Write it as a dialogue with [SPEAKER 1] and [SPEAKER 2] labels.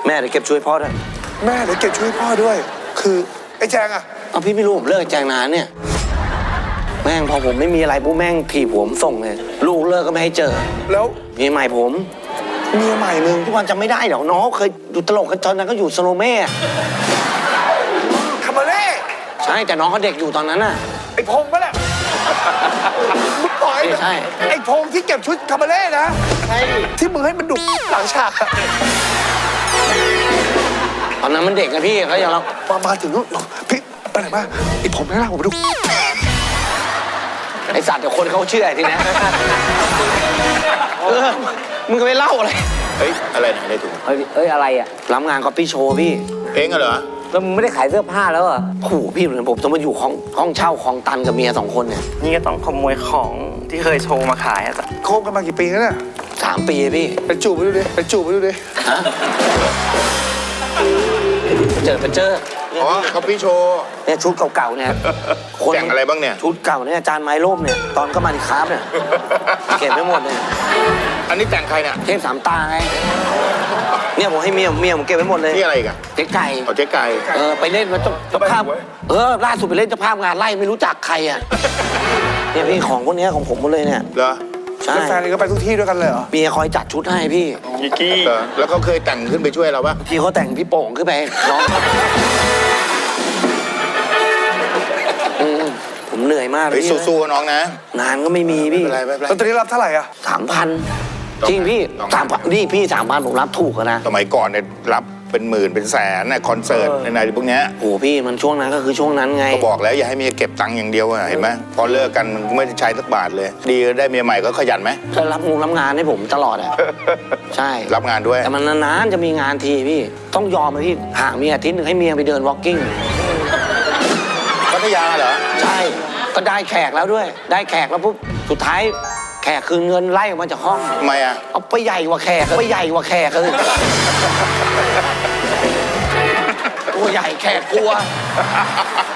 [SPEAKER 1] แม่เดี๋ยวเก็บช่วยพ่อด้วย
[SPEAKER 2] แม่เดี๋ยวเก็บช่วยพ่อด้วยคือไอ้แจงอะ
[SPEAKER 1] เอาพี่ไม่รู้ผมเลิกแจงนานเนี่ยแม่งพอผมไม่มีอะไรปุ๊บแม่งถีบผมส่งเลยลูกเลิกก็ไม่ให้เจอ
[SPEAKER 2] แล้ว
[SPEAKER 1] มีใหม่ผม
[SPEAKER 2] เมียใหม่มึง
[SPEAKER 1] ทุกวันจำไม่ได้หรอกน้องเคยดูตลกกันตอนนั้นก็อยู่สโลเม่
[SPEAKER 2] คาบาเล่
[SPEAKER 1] ใช่แต่น้องเขาเด็กอยู่ตอนนั้นน่ะ
[SPEAKER 2] ไอ้พงษ์ปะเนี่ยมึงปล่อย
[SPEAKER 1] ใช่
[SPEAKER 2] ไอ้พงษ์ที่เก็บชุดคาบาเล่นะใช่ที่มึงให้มันดุหลังฉาก
[SPEAKER 1] ตอนนั้นมันเด็กนะพี่เขาอย่างเรา
[SPEAKER 2] มาถึงนู้นพี่ไปไหนมาไอ้ผมไม่น่าผมไปดู
[SPEAKER 1] ไอสัตว์เดี๋ยวคนเขาเชื่อทีนี้มึงก็ไม่เล่าอะไร
[SPEAKER 3] เฮ้ยอะไรไหนได้ถูก
[SPEAKER 4] เอ้ยอะไรอ่ะ
[SPEAKER 1] รับงานก๊อปปี้โชว์พี่
[SPEAKER 3] เองเหรอ
[SPEAKER 4] แล้วมึงไม่ได้ขายเสื้อผ้าแล้วอ่ะ
[SPEAKER 1] โอ้โหพี่เหมือนผมต้องมาอยู่ห้องเช่าของตันกับเมีย2 คนเนี่ย
[SPEAKER 5] นี่ก็ต้องขโมยของที่เคยโชว์มาขายอ่ะ
[SPEAKER 2] โคบกันมากี่ปีแล้วเนี่ย
[SPEAKER 1] 3 ปีพี่
[SPEAKER 2] ไปจูบไปดูดิไปจูบไปดูดิ
[SPEAKER 1] ไปเจอ
[SPEAKER 3] อ๋อเขาพี่โชว์
[SPEAKER 1] เนี่ยชุดเก่าๆเนี่ย
[SPEAKER 3] แต่งอะไรบ้างเนี่ย
[SPEAKER 1] ชุดเก่าเนี่ยจานไม้ร่มเนี่ยตอนก็มาดิคาร์บเนี่ยเก็บไม่หมดเนี่ย
[SPEAKER 3] อันนี้แต่งใครเนี่ย
[SPEAKER 1] เทพ3 ตาไงเนี่ยผมให้เมียผมเก็บไว้หมดเลย
[SPEAKER 3] นี่อะไรกัน
[SPEAKER 1] เจ๊ไก่
[SPEAKER 3] เจ๊ไก่
[SPEAKER 1] ไปเล่นมาเจ้าภาพล่าสุดไปเล่นเจ้าภาพงานไล่ไม่รู้จักใครอ่ะเนี่ยพี่ของพวกนี้ของผมหมดเลยเนี่ย
[SPEAKER 3] เหรอ
[SPEAKER 1] ใช่
[SPEAKER 2] แฟนก็ไปทุกที่ด้วยกันเลยเหรอ
[SPEAKER 1] เมียคอยจัดชุดให้พี่
[SPEAKER 3] ยิกี้แล้วเขาเคยแต่งขึ้นไปช่วยเราปะ
[SPEAKER 1] พี่เขาแต่งพี่โป่งขึ้นไปน้องผมเหนื่อยมากเลย
[SPEAKER 3] สู้ๆน้องนะ
[SPEAKER 1] งานก็ไม่มีพี่
[SPEAKER 2] แล้วตอนนี้รับเท่าไหร่อ่ะ
[SPEAKER 1] 3,000จริงพี่3,000นี่พี่3,000ผมรับถูกนะ
[SPEAKER 3] สมัยก่อนเนี่ยรับเป็นหมื่นเป็นแสนนะคอนเสิร์ตในพวกเนี้ย
[SPEAKER 1] โอ้พี่มันช่วงนั้นก็คือช่วงนั้นไง
[SPEAKER 3] ก็บอกแล้วอย่าให้เมียเก็บตังค์อย่างเดียวเห็นไหมพอเลิกกันมันไม่ได้ใช้สักบาทเลยดีได้เมียใหม่ก็ขยันไหม
[SPEAKER 1] ก็รับงานให้ผมตลอดอ่ะใช่
[SPEAKER 3] รับงานด้วย
[SPEAKER 1] แต่มันนานๆจะมีงานทีพี่ต้องยอมเลยพี่ห่างเมียอาทิตย์นึงให้เมียไปเดินวอล์กกิ้ง
[SPEAKER 3] พัทยาเหรอ
[SPEAKER 1] ใช่ก็ได้แขกแล้วด้วยได้แขกแล้วปุ๊บสุดท้ายแขกคืนเงินไล่ออกมาจากห้อง
[SPEAKER 3] ทำไมอ่ะ
[SPEAKER 1] เอาไปใหญ่กว่าแขกไปใหญ่กว่าแขกเลยตัวใหญ่แขกกลัว